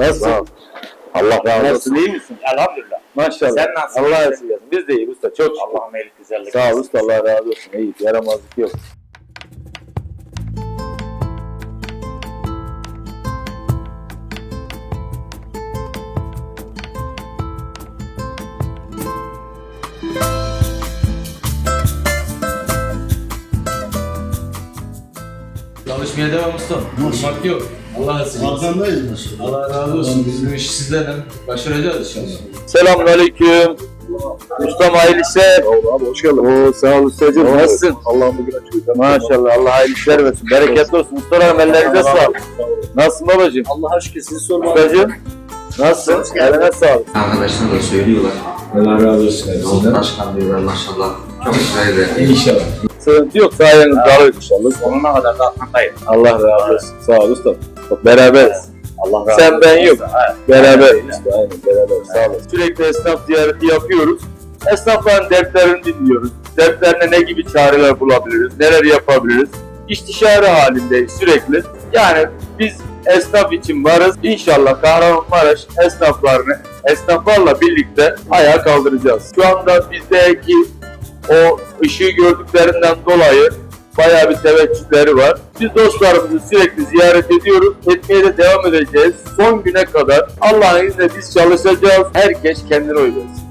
Nasılsın? Allah razı olsun. Nasılsın, iyi misin? Elhamdülillah. Maşallah. Sen nasılsın? Allah razı olsun. Biz de iyiyiz usta. Çok şükür. Allah'ım iyilik güzellik. Sağ ol usta. Allah razı olsun. İyi. Yaramazlık yok. Çalışmaya devam ustam. Durmak yok. Allah razı olsun. Arkandayız maşallah. Allah razı olsun. Biz bu işi sizlerle başaracağız inşallah. Selamünaleyküm. Ustam hayırlı işler. Abi hoş geldin. Oo, sağ ol ustacığım. Nasılsın? Allah'ım bugün açıyor. Maşallah. Allah hayırlı işler versin. Bereketli olsun. Ustalarım ellerinize sağlık. Nasılsın babacığım? Allah aşkına sizi sormalı. Ustacığım. Nasılsın? Eline sağlık. Arkadaşlar da söylüyorlar. Allah razı olsun. Yolda başkan diyorlar maşallah. Çok güzel. İnşallah. Sıkıntı yok. Sayenizde alırız inşallah. Sonuna kadar da arkandayım. Allah razı olsun. Sağ ol usta. Bak, beraberiz. Allah razı Sen olsun. ben yok. Evet. Beraber. İşte aynen beraber. Sağ olun. Sürekli esnaf ziyareti yapıyoruz. Esnafların dertlerini dinliyoruz. Dertlerine ne gibi çareler bulabiliriz, neler yapabiliriz. İstişare halindeyiz sürekli. Yani biz esnaf için varız. İnşallah Kahramanmaraş esnaflarla birlikte ayağa kaldıracağız. Şu anda bizdeki o ışığı gördüklerinden dolayı bayağı bir teveccühleri var. Biz dostlarımızı sürekli ziyaret ediyoruz. Etmeye de devam edeceğiz. Son güne kadar Allah'ın izniyle biz çalışacağız. Herkes kendine oy versin.